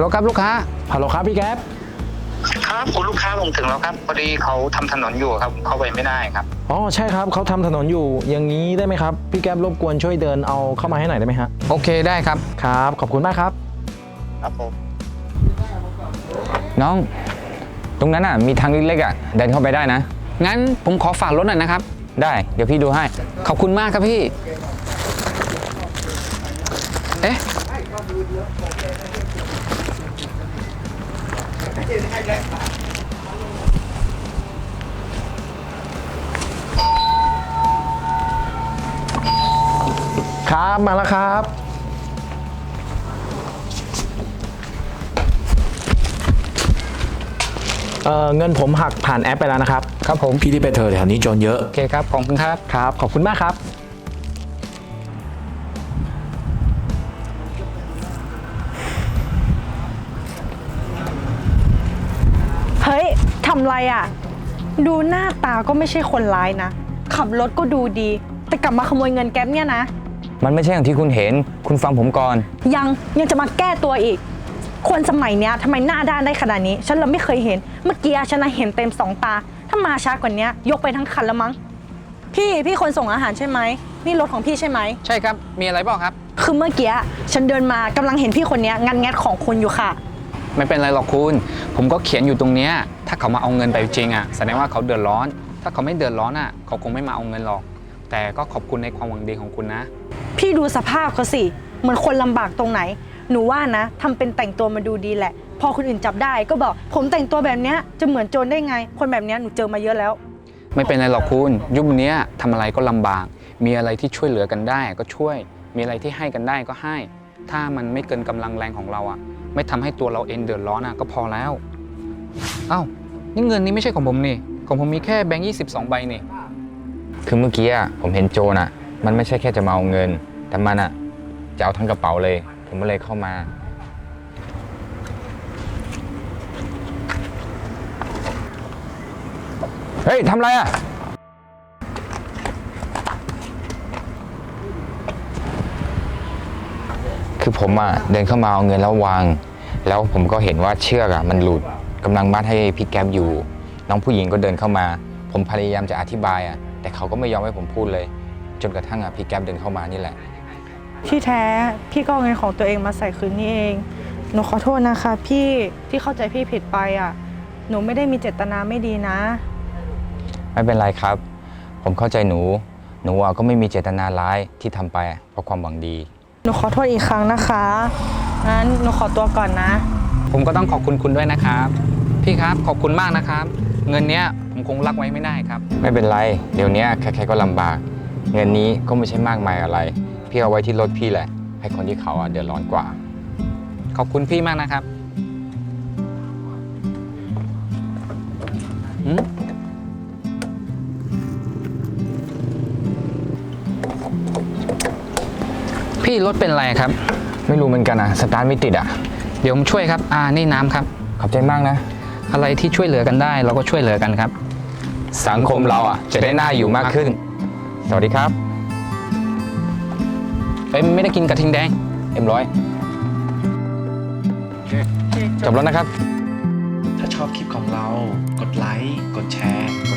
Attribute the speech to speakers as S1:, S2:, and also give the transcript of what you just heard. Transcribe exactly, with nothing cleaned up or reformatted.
S1: ลครับลูกค้า
S2: ฮัลโหลครับพี่แก๊ป
S3: ครับคุณลูกค้าผมถึงแล้วครับพอดีเขาทำถนนอยู่ครับเข้าไปไม่ได้ครับ
S2: อ๋อใช่ครับเขาทำถนนอยู่อย่างนี้ได้ไหมครับพี่แก๊ปรบกวนช่วยเดินเอาเข้ามาให้หน่อยได้ไหมฮะ
S1: โอเคได้ครับ
S2: ครับขอบคุณมากครับ
S3: ครับผม
S1: น้องตรงนั้นอ่ะมีทางเล็กๆอ่ะเดินเข้าไปได้นะงั้นผมขอฝากรถหน่อยนะครับได้เดี๋ยวพี่ดูให้ขอบคุณมากครับพี่เอ๊ะ
S2: ครับมาแล้วครับเอ่อเงินผมหักผ่านแอปไปแล้วนะครับ
S1: ครับผม
S2: พี่ที่ไปเธอแถวนี้โจรเยอะ
S1: โอเคครับขอบคุณครับ
S2: ครับขอบคุณมากครับ
S4: เฮ้ยทำไรอ่ะดูหน้าตาก็ไม่ใช่คนร้ายนะขับรถก็ดูดีแต่กลับมาขโมยเงินแก๊ปเนี่ยนะ
S1: มันไม่ใช่อย่างที่คุณเห็นคุณฟังผมก่อน
S4: ยังยังจะมาแก้ตัวอีกคนสมัยเนี้ยทำไมหน้าด้านได้ขนาดนี้ฉันเราไม่เคยเห็นเมื่อกี้ฉันเห็นเต็มสองตาถ้ามาช้ากว่านี้ยกไปทั้งคันแล้วมั้งพี่พี่คนส่งอาหารใช่ไหมนี่รถของพี่ใช่ไหม
S1: ใช่ครับมีอะไรบ้างครับ
S4: คือเมื่อกี้ฉันเดินมากำลังเห็นพี่คนนี้งัดแงะของคุณอยู่ค่ะ
S1: ไม่เป็นไรหรอกคุณผมก็เขียนอยู่ตรงเนี้ยถ้าเขามาเอาเงินไปจริงอ่ะแสดงว่าเขาเดือดร้อนถ้าเขาไม่เดือดร้อนอ่ะเขาคงไม่มาเอาเงินหรอกแต่ก็ขอบคุณในความหวังดีของคุณนะ
S4: พี่ดูสภาพเขาสิเหมือนคนลำบากตรงไหนหนูว่านะทำเป็นแต่งตัวมาดูดีแหละพอคนอื่นจับได้ก็บอกผมแต่งตัวแบบนี้จะเหมือนโจรได้ไงคนแบบนี้หนูเจอมาเยอะแล้ว
S1: ไม่เป็นไรหรอกคุณยุคนี้ทำอะไรก็ลำบากมีอะไรที่ช่วยเหลือกันได้ก็ช่วยมีอะไรที่ให้กันได้ก็ให้ถ้ามันไม่เกินกำลังแรงของเราอ่ะไม่ทำให้ตัวเราเองเดือดร้อนอ่ะก็พอแล้วเอ้านี่เงินนี้ไม่ใช่ของผมนี่ของผมมีแค่แบงค์ยี่สิบสองใบนี่คือเมื่อกี้อ่ะผมเห็นโจรอ่ะมันไม่ใช่แค่จะมาเอาเงินแต่มันอ่ะจะเอาทั้งกระเป๋าเลยผมก็เลยเข้ามาเฮ้ยทำไรอ่ะคือผมอ่ะเดินเข้ามาเอาเงินแล้ววางแล้วผมก็เห็นว่าเชือกอ่ะมันหลุดกำลังมัดให้พี่แก๊ปอยู่น้องผู้หญิงก็เดินเข้ามาผมพยายามจะอธิบายอ่ะแต่เขาก็ไม่ยอมให้ผมพูดเลยจนกระทั่งอ่ะพี่แก๊ปเดินเข้ามานี่แหละ
S4: ที่แท้พี่ก็เอาเงินของตัวเองมาใส่คืนนี่เองหนูขอโทษนะคะพี่ที่เข้าใจพี่ผิดไปอ่ะหนูไม่ได้มีเจตนาไม่ดีนะ
S1: ไม่เป็นไรครับผมเข้าใจหนูหนูก็ไม่มีเจตนาร้ายที่ทำไปเพราะความหวังดี
S4: หนูขอโทษอีกครั้งนะคะงั้นหนูขอตัวก่อนนะ
S1: ผมก็ต้องขอบคุณคุณด้วยนะครับพี่ครับขอบคุณมากนะครับเงินเนี้ยผมคงรักไว้ไม่ได้ครับไม่เป็นไรเดี๋ยวนี้ใครๆก็ลำบากเงินนี้ก็ไม่ใช่มากมายอะไรพี่เอาไว้ที่รถพี่แหละให้คนที่เขาเดือดร้อนกว่าขอบคุณพี่มากนะครับพี่รถเป็นอะไรครับไม่รู้เหมือนกันอ่ะสตาร์ทไม่ติดอ่ะเดี๋ยวผมช่วยครับอ่านี่น้ำครับขอบใจมากนะอะไรที่ช่วยเหลือกันได้เราก็ช่วยเหลือกันครับสังคมเราอ่ะจะได้น่าอยู่มากขึ้นสวัสดีครับเอ้ยไม่ได้กินกระทิงแดงเอ็มร้อยจบแล้วนะครับ
S2: ถ้าชอบคลิปของเรากดไลค์กดแชร์